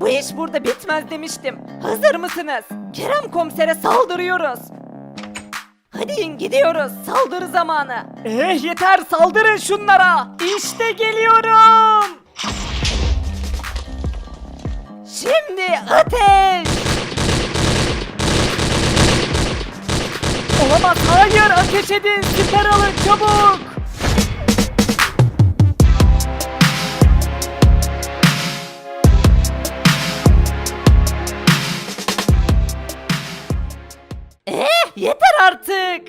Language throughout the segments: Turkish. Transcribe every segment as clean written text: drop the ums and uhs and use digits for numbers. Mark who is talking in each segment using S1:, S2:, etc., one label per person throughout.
S1: bu iş burada bitmez demiştim. Hazır mısınız? Kerem komisere saldırıyoruz. Hadi gidiyoruz. Saldırı zamanı. Yeter, saldırın şunlara. İşte geliyorum. Şimdi ateş. Olamaz, hayır, ateş edin, siper alın çabuk. Yeter artık.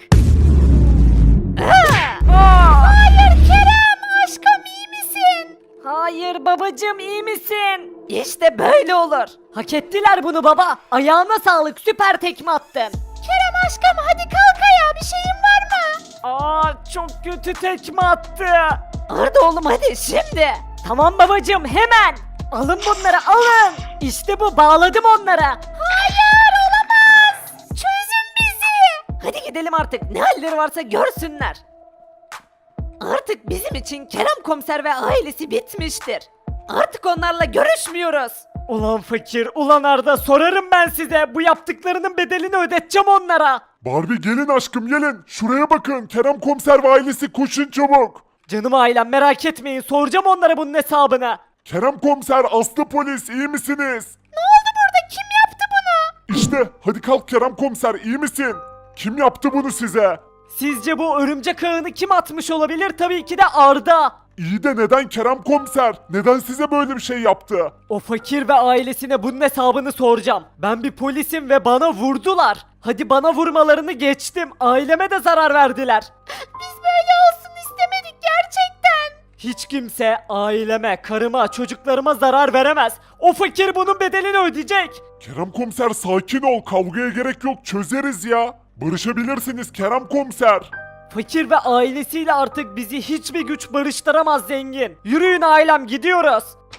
S1: Hayır Kerem, aşkım iyi misin? Hayır babacığım, iyi misin? İşte böyle olur. Hak ettiler bunu baba. Ayağına sağlık, süper tekme attın. Kerem aşkım hadi kalk ayağa, bir şeyin var mı? Çok kötü tekme attı. Arda oğlum hadi şimdi. Tamam babacığım, hemen. Alın bunları, alın. İşte bu, bağladım onlara. Hayır olamaz. Çözün bizi. Hadi gidelim artık, ne halleri varsa görsünler. Artık bizim için Kerem komiser ve ailesi bitmiştir. Artık onlarla görüşmüyoruz. Ulan fakir, ulan Arda, sorarım ben size. Bu yaptıklarının bedelini ödeteceğim onlara.
S2: Barbie gelin aşkım gelin. Şuraya bakın. Kerem komiser ve ailesi koşun çabuk.
S1: Canım ailem, merak etmeyin, soracağım onlara bunun hesabını.
S2: Kerem komiser, Aslı polis iyi misiniz?
S1: Ne oldu burada, kim yaptı bunu?
S2: İşte hadi kalk Kerem komiser, iyi misin? Kim yaptı bunu size?
S1: Sizce bu örümcek ağını kim atmış olabilir? Tabii ki de Arda.
S2: İyi de neden Kerem komiser? Neden size böyle bir şey yaptı?
S1: O fakir ve ailesine bunun hesabını soracağım. Ben bir polisim ve bana vurdular. Hadi bana vurmalarını geçtim. Aileme de zarar verdiler. Biz böyle olsun istemedik gerçekten. Hiç kimse aileme, karıma, çocuklarıma zarar veremez. O fakir bunun bedelini ödeyecek.
S2: Kerem komiser sakin ol, kavgaya gerek yok, çözeriz ya. Barışabilirsiniz Kerem komiser.
S1: Fakir ve ailesiyle artık bizi hiçbir güç barıştıramaz zengin. Yürüyün ailem, gidiyoruz.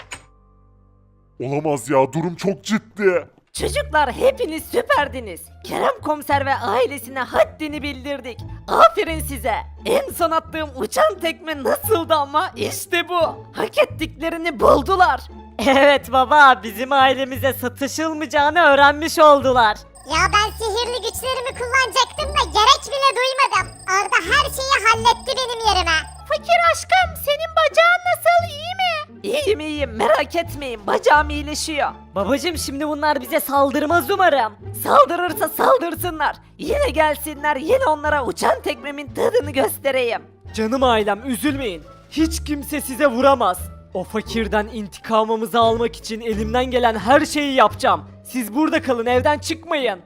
S2: Olamaz ya, durum çok ciddi.
S1: Çocuklar hepiniz süperdiniz. Kerem komiser ve ailesine haddini bildirdik. Aferin size. En son attığım uçan tekme nasıldı ama işte bu. Hak ettiklerini buldular. Evet baba, bizim ailemize satışılmayacağını öğrenmiş oldular.
S3: Ya ben sihirli güçlerimi kullanacaktım da gerek bile duymadım. Arda her şeyi halletti benim yerime.
S1: Fakir aşkım, senin bacağın nasıl, iyi mi? İyiyim iyiyim, merak etmeyin, bacağım iyileşiyor. Babacım şimdi bunlar bize saldırmaz umarım. Saldırırsa saldırsınlar. Yine gelsinler, yine onlara uçan tekmemin tadını göstereyim. Canım ailem, üzülmeyin. Hiç kimse size vuramaz. O fakirden intikamımızı almak için elimden gelen her şeyi yapacağım. Siz burada kalın, evden çıkmayın.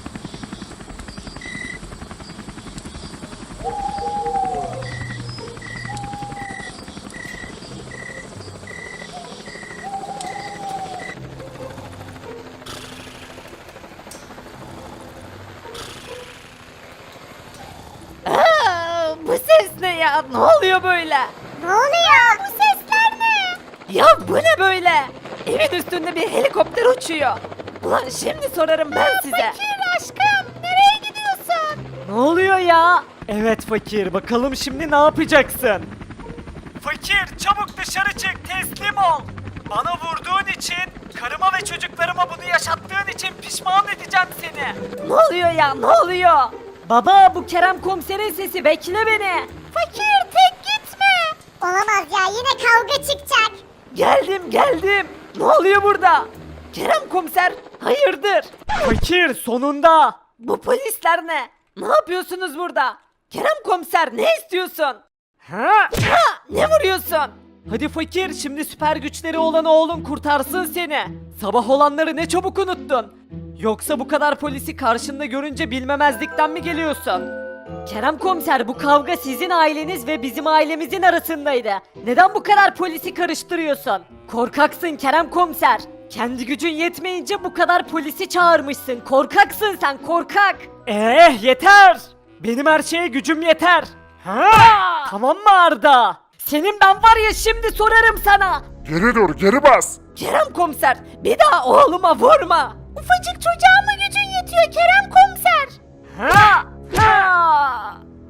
S1: Bu ses ne ya? Ne oluyor böyle?
S3: Ne oluyor? Bu sesler ne?
S1: Ya bu ne böyle? Evin üstünde bir helikopter uçuyor. Ulan şimdi sorarım ben size. Fakir aşkım, nereye gidiyorsun? Ne oluyor ya? Evet fakir, bakalım şimdi ne yapacaksın? Fakir, çabuk dışarı çık, teslim ol. Bana vurduğun için, karıma ve çocuklarıma bunu yaşattığın için pişman edeceğim seni. Ne oluyor ya, ne oluyor? Baba, bu Kerem komiserin sesi, bekle beni. Fakir, tek gitme.
S3: Olamaz ya, yine kavga çıkacak.
S1: Geldim. Ne oluyor burada? Kerem komiser, hayırdır? Fakir, sonunda. Bu polisler ne? Ne yapıyorsunuz burada? Kerem komiser, ne istiyorsun? Ha, ne vuruyorsun? Hadi fakir, şimdi süper güçleri olan oğlun kurtarsın seni. Sabah olanları ne çabuk unuttun. Yoksa bu kadar polisi karşında görünce bilmemezlikten mi geliyorsun? Kerem komiser, bu kavga sizin aileniz ve bizim ailemizin arasındaydı. Neden bu kadar polisi karıştırıyorsun? Korkaksın Kerem komiser. Kendi gücün yetmeyince bu kadar polisi çağırmışsın. Korkaksın sen, korkak. Yeter. Benim her şeye gücüm yeter. Tamam mı Arda? Senin ben var ya, şimdi sorarım sana.
S2: Geri dur, geri bas.
S1: Kerem komiser, bir daha oğluma vurma. Ufacık çocuğa mı gücün yetiyor Kerem komiser?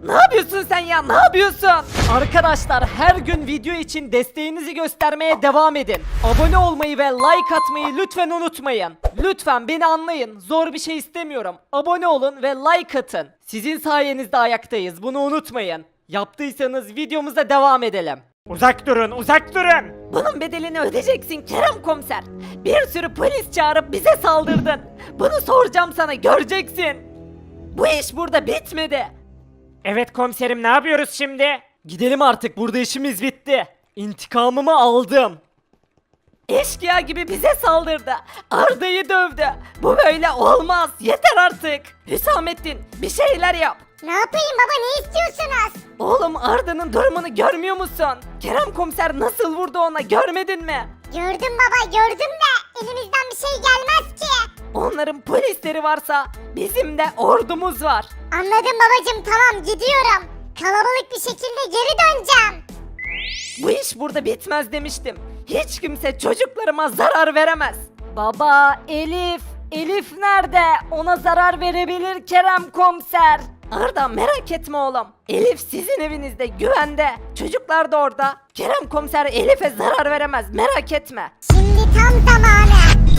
S1: Ne yapıyorsun sen ya? Ne yapıyorsun? Arkadaşlar her gün video için desteğinizi göstermeye devam edin. Abone olmayı ve like atmayı lütfen unutmayın. Lütfen beni anlayın. Zor bir şey istemiyorum. Abone olun ve like atın. Sizin sayenizde ayaktayız. Bunu unutmayın. Yaptıysanız videomuza devam edelim. Uzak durun, uzak durun. Bunun bedelini ödeyeceksin Kerem komiser. Bir sürü polis çağırıp bize saldırdın. Bunu soracağım sana, göreceksin. Bu iş burada bitmedi. Evet komiserim, ne yapıyoruz şimdi? Gidelim artık, burada işimiz bitti. İntikamımı aldım. Eşkıya gibi bize saldırdı. Arda'yı dövdü. Bu böyle olmaz. Yeter artık. Hüsamettin, bir şeyler yap.
S3: Ne yapayım baba, ne istiyorsunuz?
S1: Oğlum, Arda'nın durumunu görmüyor musun? Kerem komiser nasıl vurdu ona, görmedin mi?
S3: Gördüm baba, gördüm de elimizden bir şey gelmez ki.
S1: Onların polisleri varsa bizim de ordumuz var.
S3: Anladım babacım, tamam gidiyorum. Kalabalık bir şekilde geri döneceğim.
S1: Bu iş burada bitmez demiştim. Hiç kimse çocuklarıma zarar veremez. Baba, Elif nerede? Ona zarar verebilir Kerem komiser. Arda, merak etme oğlum. Elif sizin evinizde, güvende. Çocuklar da orada. Kerem komiser Elif'e zarar veremez, merak etme.
S3: Şimdi tam zamanı.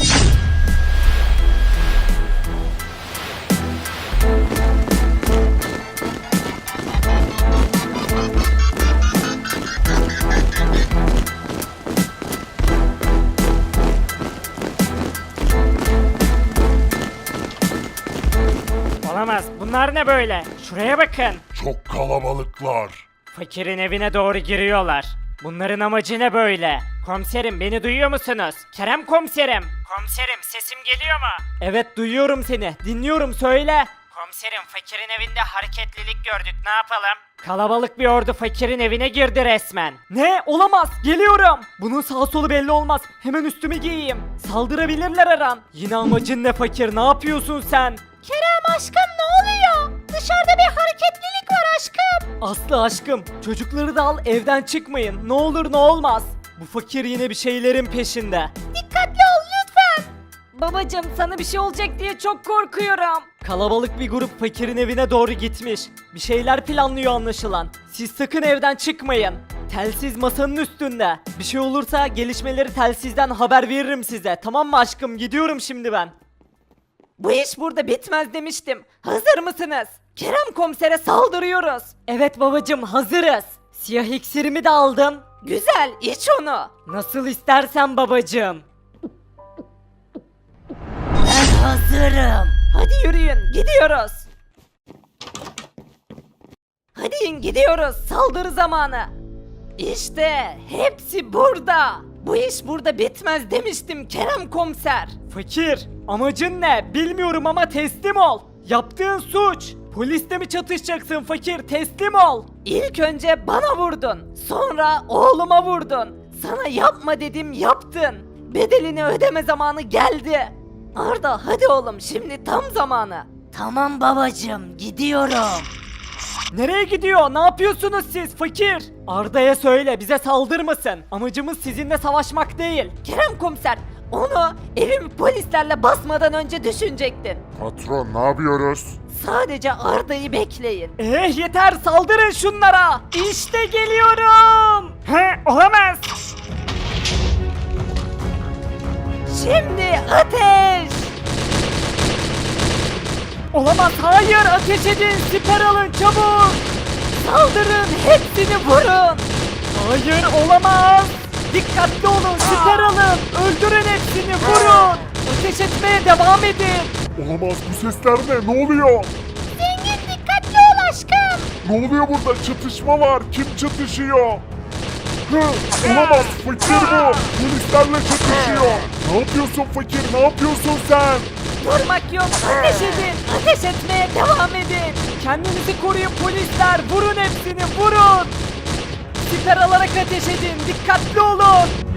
S1: Olamaz. Bunlar ne böyle? Şuraya bakın.
S2: Çok kalabalıklar.
S1: Fakirin evine doğru giriyorlar. Bunların amacı ne böyle? Komiserim, beni duyuyor musunuz? Kerem komiserim. Komiserim, sesim geliyor mu? Evet, duyuyorum seni. Dinliyorum, söyle. Komiserim, fakirin evinde hareketlilik gördük. Ne yapalım? Kalabalık bir ordu fakirin evine girdi resmen. Ne? Olamaz. Geliyorum. Bunun sağ solu belli olmaz. Hemen üstümü giyeyim. Saldırabilirler her an. Yine amacın ne fakir? Ne yapıyorsun sen? Kerem aşkım, ne oluyor? Dışarıda bir hareketlilik var aşkım. Aslı aşkım, çocukları da al, evden çıkmayın. Ne olur ne olmaz. Bu fakir yine bir şeylerin peşinde. Dikkatli ol lütfen. Babacım, sana bir şey olacak diye çok korkuyorum. Kalabalık bir grup fakirin evine doğru gitmiş. Bir şeyler planlıyor anlaşılan. Siz sakın evden çıkmayın. Telsiz masanın üstünde. Bir şey olursa gelişmeleri telsizden haber veririm size. Tamam mı aşkım? Gidiyorum şimdi ben. Bu iş burada bitmez demiştim. Hazır mısınız? Kerem komisere saldırıyoruz. Evet babacım, hazırız. Siyah iksirimi de aldım. Güzel, iç onu. Nasıl istersen babacım. Ben hazırım. Hadi yürüyün, gidiyoruz. Hadi gidiyoruz, saldırı zamanı. İşte hepsi burada. Bu iş burada bitmez demiştim Kerem komiser. Fakir, amacın ne? Bilmiyorum ama teslim ol. Yaptığın suç. Polisle mi çatışacaksın fakir? Teslim ol. İlk önce bana vurdun. Sonra oğluma vurdun. Sana yapma dedim, yaptın. Bedelini ödeme zamanı geldi. Arda, hadi oğlum, şimdi tam zamanı. Tamam babacığım, gidiyorum. Nereye gidiyor? Ne yapıyorsunuz siz fakir? Arda'ya söyle, bize saldırmasın. Amacımız sizinle savaşmak değil. Kerem komiser, onu evimi polislerle basmadan önce düşünecektin.
S2: Patron, ne yapıyoruz?
S1: Sadece Arda'yı bekleyin. Yeter, saldırın şunlara. İşte geliyorum. Olamaz. Şimdi ateş. Olamaz, hayır, ateş edin, siper alın çabuk. Saldırın, hepsini vurun. Hayır, olamaz. Dikkatli olun, siper alın, öldürün hepsini, vurun. Ateş etmeye devam edin.
S2: Olamaz, bu sesler ne? Ne oluyor?
S3: Zengin, dikkatli ol aşkım.
S2: Ne oluyor burada? Çatışma var. Kim çatışıyor? Olamaz, fakir bu. Polislerle çatışıyor. Ne yapıyorsun fakir? Ne yapıyorsun sen?
S1: Durmak yok, ateş edin, ateş etmeye devam edin. Kendinizi koruyun polisler, vurun hepsini, vurun. Siper alarak ateş edin, dikkatli olun.